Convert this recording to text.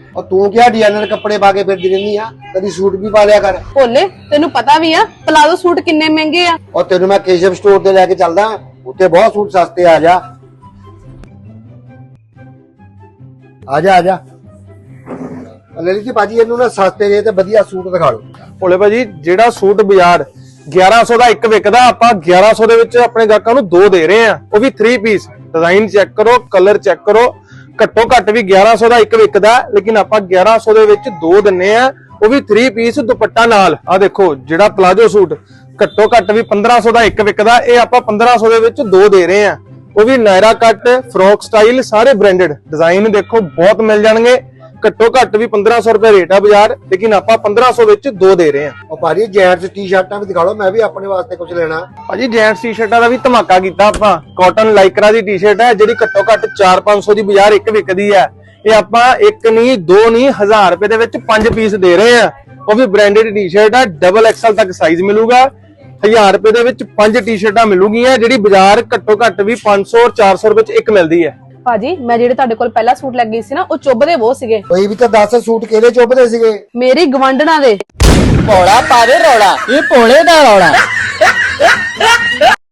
और तू क्या डिजाइनर कपड़े पा के फिरदी रहनी आ, कभी सूट भी पा लिया कर। भोले तेनू पता भी आ प्लाजो सूट किन्ने महंगे आ। और तेनू मैं केशव स्टोर ते लेके चलदा, उत्ते बहुत सूट सस्ते आ जा। आजा आजा ललित जी भाजी इनू ना सस्ते जे ते वधिया सूट दिखा लो। ਭੋਲੇ ਭਾਜੀ ਜਿਹੜਾ ਸੂਟ ਬਾਜ਼ਾਰ 1100 ਦਾ ਇੱਕ ਵਿਕਦਾ, ਆਪਾਂ 1100 ਦੇ ਵਿੱਚ ਆਪਣੇ ਗਾਹਕਾਂ ਨੂੰ ਦੋ ਦੇ ਰਹੇ ਆ, ਉਹ ਵੀ 3 ਪੀਸ। ਡਿਜ਼ਾਈਨ ਚੈੱਕ ਕਰੋ, ਕਲਰ ਚੈੱਕ ਕਰੋ, ਘੱਟੋ ਘੱਟ ਵੀ 1100 ਦਾ ਇੱਕ ਵਿਕਦਾ, ਲੇਕਿਨ ਆਪਾਂ 1100 ਦੇ ਵਿੱਚ ਦੋ ਦਿੰਨੇ ਆ, ਉਹ ਵੀ 3 ਪੀਸ ਦੁਪੱਟਾ ਨਾਲ। ਆ ਦੇਖੋ ਜਿਹੜਾ ਪਲਾਜੋ ਸੂਟ ਘੱਟੋ ਘੱਟ ਵੀ 1500 ਦਾ ਇੱਕ ਵਿਕਦਾ, ਇਹ ਆਪਾਂ 1500 ਦੇ ਵਿੱਚ ਦੋ ਦੇ ਰਹੇ ਆ, ਉਹ ਵੀ ਨਾਇਰਾ ਕੱਟ, ਫਰੋਕ ਸਟਾਈਲ, ਸਾਰੇ ਬ੍ਰਾਂਡਡ। ਡਿਜ਼ਾਈਨ ਦੇਖੋ ਬਹੁਤ ਮਿਲ ਜਾਣਗੇ, ਘੱਟੋ ਘੱਟ ਵੀ 1500 ਰੁਪਏ ਰੇਟ ਆ ਬਾਜ਼ਾਰ, ਲੇਕਿਨ ਆਪਾਂ 1500 ਵਿੱਚ ਦੋ ਦੇ ਰਹੇ ਆ। और भाजी जेंट्स टी-शर्टां भी दिखा लो, मैं भी अपने वास्ते कुछ लेना। ਭਾਜੀ ਜੈਂਟਸ ਟੀ-ਸ਼ਰਟਾਂ ਦਾ ਵੀ ਧਮਾਕਾ ਕੀਤਾ ਆਪਾਂ। ਕਾਟਨ ਲਾਈਕਰਾ ਦੀ ਟੀ-ਸ਼ਰਟ ਹੈ ਜਿਹੜੀ ਘੱਟੋ ਘੱਟ 4-500 ਦੀ ਬਾਜ਼ਾਰ ਇੱਕ ਵਿਕਦੀ ਹੈ, ਇਹ ਆਪਾਂ ਇੱਕ ਨਹੀਂ ਦੋ ਨਹੀਂ 1000 ਰੁਪਏ ਦੇ ਵਿੱਚ 5 ਪੀਸ ਦੇ ਰਹੇ ਆ, ਉਹ ਵੀ ਬ੍ਰਾਂਡਡ ਟੀ-ਸ਼ਰਟ ਹੈ, ਡਬਲ ਐਕਸਲ ਤੱਕ ਸਾਈਜ਼ ਮਿਲੂਗਾ। 1000 ਰੁਪਏ ਦੇ ਵਿੱਚ 5 ਟੀ-ਸ਼ਰਟਾਂ ਮਿਲੂਗੀਆਂ, ਜਿਹੜੀ ਬਾਜ਼ਾਰ ਘੱਟੋ ਘੱਟ ਵੀ 500 ਔਰ 400 ਰੁਪਏ ਚ ਇੱਕ ਮਿਲਦੀ ਹੈ। ਭਾਜੀ ਮੈਂ ਜਿਹੜੇ ਤੁਹਾਡੇ ਕੋਲ ਪਹਿਲਾ ਸੂਟ ਲੈ ਗਈ ਸੀ ਨਾ, ਉਹ ਚੁੱਭਦੇ ਬਹੁਤ ਸੀਗੇ। कोई भी तो 10 सूट केले चुभदे सीगे। ਮੇਰੀ ਗਵੰਡਣਾ ਦੇ ਭੋਲਾ ਪਾਵੇ ਰੌਲਾ, ਇਹ ਭੋਲੇ ਦਾ ਰੌਲਾ।